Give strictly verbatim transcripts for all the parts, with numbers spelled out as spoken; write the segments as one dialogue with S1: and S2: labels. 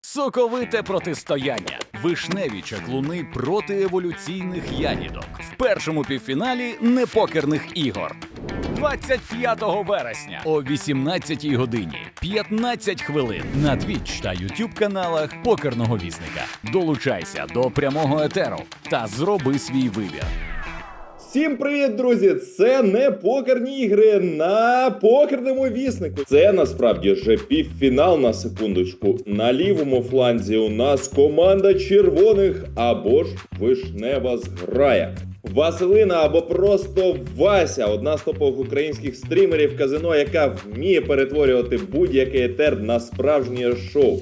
S1: Соковите протистояння. Вишневі чаклуни проти еволюційних ягідок. В першому півфіналі непокерних ігор. двадцять п'ятого вересня о вісімнадцятій годині п'ятнадцять хвилин на Twitch та YouTube каналах Покерного Вісника. Долучайся до прямого етеру та зроби свій вибір.
S2: Всім привіт, друзі! Це не покерні ігри на покерному віснику. Це насправді вже півфінал, на секундочку. На лівому фланзі у нас команда червоних або ж вишнева зграя. Василина або просто Вася, одна з топових українських стрімерів казино, яка вміє перетворювати будь-який етер на справжнє шоу.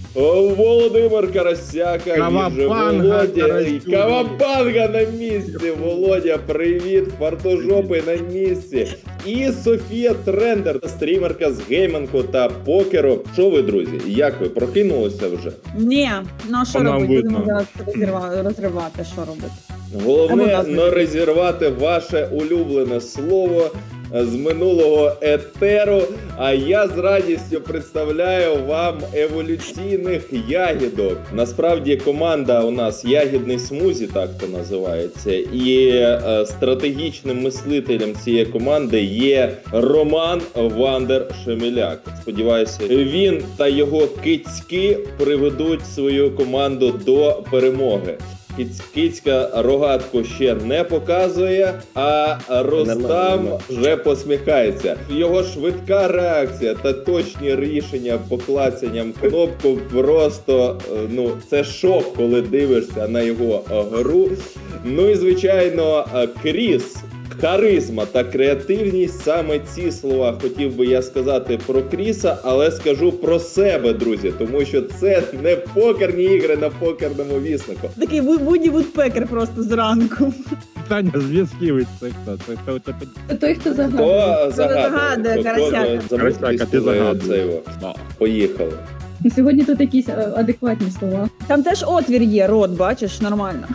S2: Володимир Карасяка,
S3: Кавабанга,
S2: Володя, і Кавабанга на місці, Володя, привіт, фартожопи на місці. І Софія Трендер, стрімерка з геймингу та покеру. Що ви, друзі, як ви, прокинулися вже?
S4: Ні, ну а що
S3: Вона
S4: робити?
S3: видно.
S4: Будемо зараз розірва- розривати, що робити?
S2: Головне
S4: Або
S2: не розірвати ваше улюблене слово з минулого етеру, а я з радістю представляю вам еволюційних ягідок. Насправді команда у нас ягідний смузі, так то називається, і е, стратегічним мислителем цієї команди є Роман Вандер Шемеляк. Сподіваюся, він та його кицьки приведуть свою команду до перемоги. Кицька рогатку ще не показує, а Ростам вже посміхається. Його швидка реакція та точні рішення по клацанням кнопку просто, ну, це шок, коли дивишся на його гру. Ну і, звичайно, Кріс. Харизма та креативність – саме ці слова хотів би я сказати про Кріса, але скажу про себе, друзі, тому що це не покерні ігри на покерному віснику.
S4: Такий Вуді Вудпекер просто зранку.
S3: Питання зв'язківець, це хто? Це хто? Це
S5: Це той, хто загадує.
S2: Хто загадує?
S4: загадує,
S2: Хто
S4: Карасяка?
S2: замислить,
S3: Карасяка, ти
S2: коли
S3: загадуй.
S2: це його? Поїхали.
S5: І сьогодні тут якісь е, адекватні слова.
S4: Там теж отвір є, рот, бачиш, нормально.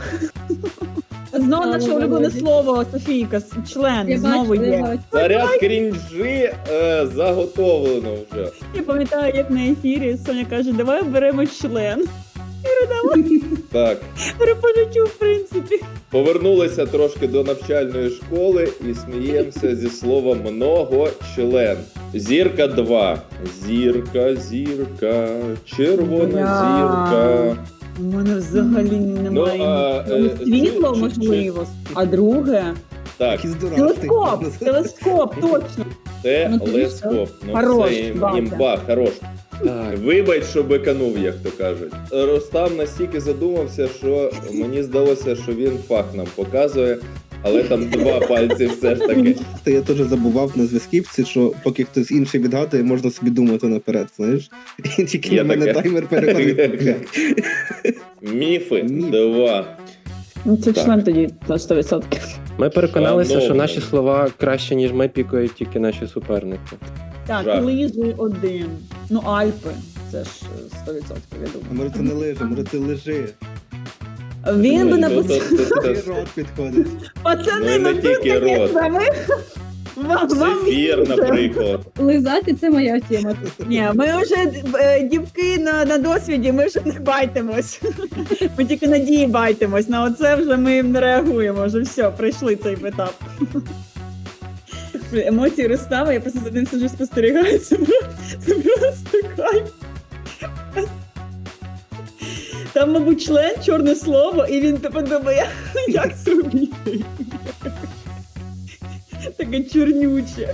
S4: Знову
S5: Але
S4: наше улюблене
S5: Володі.
S4: слово, Софійка, член,
S5: Я
S4: знову
S5: бачу, я
S4: є.
S5: бачу.
S2: Заряд крінжі е, заготовлено вже.
S4: Я пам'ятаю, як на ефірі Соня каже, давай оберемо член.
S2: Так.
S4: Переполючу, в принципі.
S2: Повернулися трошки до навчальної школи і сміємося зі слова многочлен. Зірка два. Зірка, зірка, червона
S4: Бля.
S2: зірка.
S4: У мене взагалі немає.
S2: а,
S4: Ну,
S2: е,
S4: світло,
S2: чи- чи-
S4: можливо. А друге?
S2: Так,
S4: Телескоп, телескоп, точно.
S2: це
S5: Ну, ти
S2: лескоп. Ну,
S4: Хорош,
S2: це ім-
S4: Батя.
S2: імба, хорош. Вибач, що биканув, як то кажуть. Ростам настільки задумався, що мені здалося, що він фах нам показує, але там два пальці все ж таки.
S6: Та я теж забував на зв'язківці, що поки хтось інший відгадує, можна собі думати наперед, знаєш? І тільки
S2: Я
S6: в мене
S2: таке.
S6: таймер переходить.
S2: Міфи
S6: Міф.
S2: два.
S4: Ну, це
S2: Так.
S4: член тоді на сто відсотків.
S7: Ми переконалися, що
S2: Шановний.
S7: наші слова краще, ніж ми, пікають тільки наші суперники.
S4: Так,
S2: Жах.
S4: лижі один. Ну, Альпи. Це ж е, сто відсотків, я
S6: А
S4: думаю.
S6: може це не лежа, може це лежи.
S4: Він би
S2: Ну,
S4: написав,
S2: то- то- то-
S6: І рот підходить.
S4: пацани,
S2: Ну, і не
S4: ну тут
S2: тільки
S4: таке
S2: рот.
S4: саме. Вам, вам
S2: Зефір,
S4: дуже.
S2: наприклад.
S5: Лизати – це моя тема.
S4: Ні, ми вже е, дівки на, на досвіді, ми вже не байтимось. Ми тільки надії байтимось. На оце вже ми не реагуємо. Вже все, пройшли цей етап. Блін, емоції Ростава, я просто за ним сиджу спостерігаю. Це, про- це просто кайф. Там, мабуть, член, чорне слово, і він типу думає, як зробити. Таке чорнюче.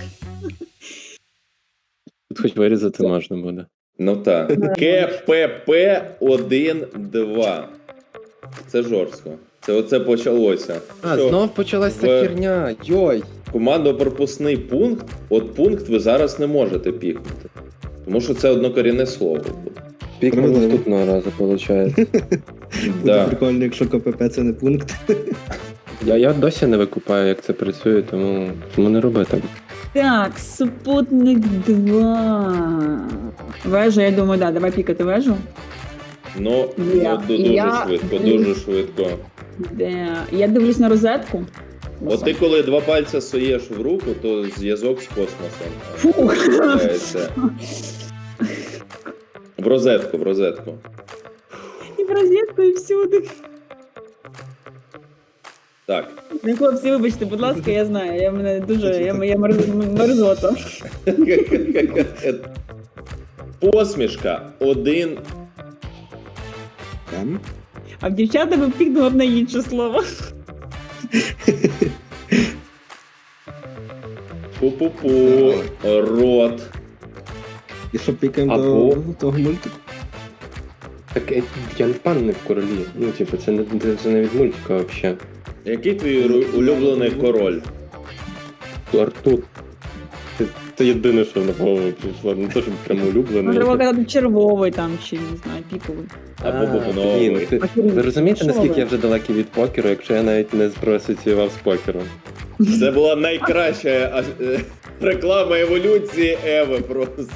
S7: Тут хоч вирізати можна буде.
S2: Ну так. КПП один два. Це жорстко. Це оце почалося.
S7: А,
S2: Що?
S7: знов почалась
S2: в-
S7: ця херня. Йой.
S2: Командно-пропускний пункт, от пункт ви зараз не можете пікнути. Тому що це однокорінне слово буде.
S7: Пік
S6: Правильно.
S7: наступного разу, виходить.
S6: Буде
S2: Да.
S6: прикольно, якщо КПП це не пункт.
S7: Я, я досі не викупаю, як це працює, тому, тому не роби так.
S4: Так, супутник два. Вежа, я думаю, да, давай пікати вежу.
S2: Ну,
S4: Я-
S2: ну ду- дуже
S4: я-
S2: швидко, дуже швидко.
S4: Де... Я дивлюсь на розетку.
S2: От ти коли два пальця суєш в руку, то зв'язок з космосом.
S4: Фух.
S2: Включається. В розетку, в розетку.
S4: в розетку і всюди.
S2: Так.
S4: Ну, хлопці, вибачте, будь ласка, я знаю, я мене дуже, я, я мерз- мерзота.
S2: Посмішка один.
S6: Там.
S4: А в дівчата би пікнула б на інше слово.
S2: Пу-пу-пу. Рот.
S6: І що пікаємо
S7: Або-
S6: до того мультику?
S7: Так е, я не впевнений в королі. Ну, типу, це не, це не від мультика взагалі.
S2: Який твій ру- улюблений король?
S7: Артур. Це, це єдине, що на голову прийшло. Не те, що прямо
S4: Ну,
S7: улюблений.
S4: треба казати червовий там, чи не знаю, піковий.
S2: Або
S7: А,
S2: бубновий.
S7: блін, ти- Ви розумієте, наскільки я вже далекий від покеру, якщо я навіть не проасоціював з покером?
S2: Це була найкраща а, е, реклама еволюції Еви просто.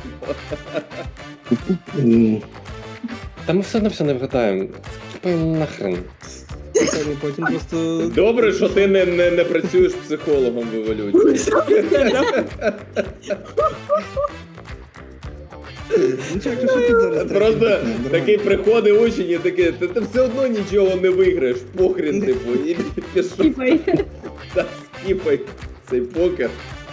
S6: М,
S7: Та ми все одно все не вгадаємо. Скіпаємо нахрен.
S6: Та ні, потім просто.
S2: Добре, що ти не, не, не працюєш психологом в еволюції.
S6: Ну, чак, що тут зараз?
S2: Просто
S6: треба? Нормально.
S2: такий приходить учень і такий, ти, ти все одно нічого не виграєш, похрін, типу, і пішов
S5: Типа,
S2: та скіпай цей покер.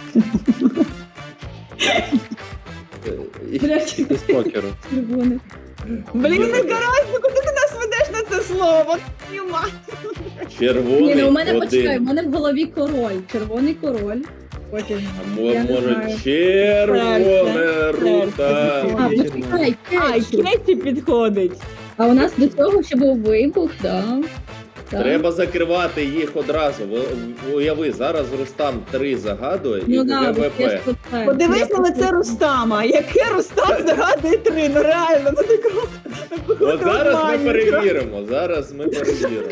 S2: І-
S5: блядь,
S7: З покеру.
S5: червоний.
S4: Блін, не карась, ну куди ти нас ведеш на це слово? Твою мать.
S5: Ні,
S2: Червоний
S5: ну у мене почекай, у
S2: один.
S5: мене в голові король. Червоний король. Потім.
S2: А мо-
S5: Я не
S2: може
S5: знаю.
S2: червоне
S4: Серце,
S2: рута.
S5: А,
S6: Ні,
S5: почекай,
S4: А,
S5: кетчуп.
S4: Кеті підходить.
S5: А у нас до цього ще був вибух, да. Так.
S2: Треба закривати їх одразу. В- Уяви, зараз Рустам три загадує і
S5: Ну да, от я ж
S2: ГВП.
S5: про це.
S4: Подивись
S5: Я
S4: на
S5: про
S4: лице
S5: це.
S4: Рустама. Яке Рустам загадує три? Ну реально, ну такого. такого
S2: От зараз ми
S4: нормально.
S2: перевіримо. Зараз ми перевіримо.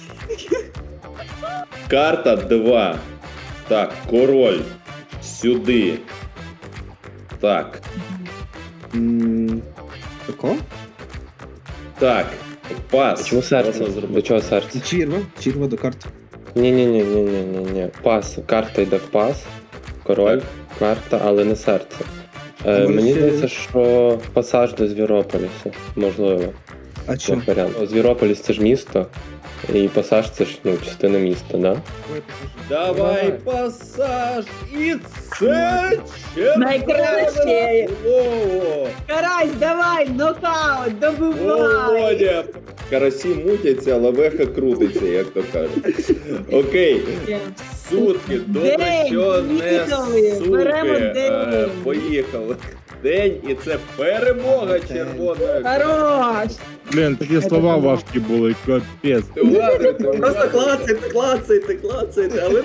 S2: Карта два. Так, король. Сюди. Так.
S6: М, Тако?
S2: Так. Пас.
S7: Чому серце?
S2: Можна зробити.
S7: До чого серце?
S6: Чірва. Чірва до карти.
S7: Ні, ні, ні, ні, ні, ні, ні. Пас. Карта йде в пас. Король, карта, але не серце. Е,
S6: може
S7: мені
S6: ще-
S7: здається, що пасаж до Звірополісу. Можливо.
S6: А що?
S7: Як варіант. Звірополіс це ж місто, і пасаж це ж ну, частина міста, да?
S2: Давай пасаж. І це
S4: Найкраще.
S2: червоне слово.
S4: Карась, давай, нокаут, добивай.
S2: Володя. Карасі мутяться, але веха крутиться, як то кажуть. Окей. Сутки, добре,
S4: День,
S2: що не
S4: їхали,
S2: сутки.
S4: беремо
S2: Е,
S4: день.
S2: Поїхали. День, і це перемога червоної.
S4: Хорош.
S3: Блін, такі слова важкі були, капець.
S2: Ти ладно, ти
S8: Просто
S2: ладно.
S8: клацайте, клацайте, клацайте, але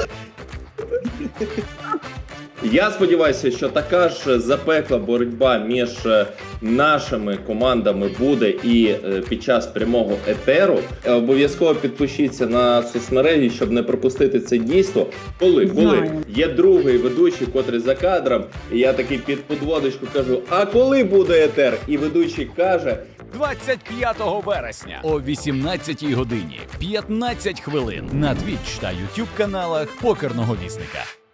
S2: Я сподіваюся, що така ж запекла боротьба між е, нашими командами буде і е, під час прямого етеру. Е, Обов'язково підпишіться на соцмережі, щоб не пропустити це дійство. Коли, коли
S4: Знаю.
S2: є другий ведучий, котрий за кадром, і я такий під подводочку кажу: а коли буде етер? І ведучий каже:
S1: двадцять п'ятого вересня о вісімнадцятій годині п'ятнадцять хвилин на Twitch та YouTube каналах Покерного Вісника.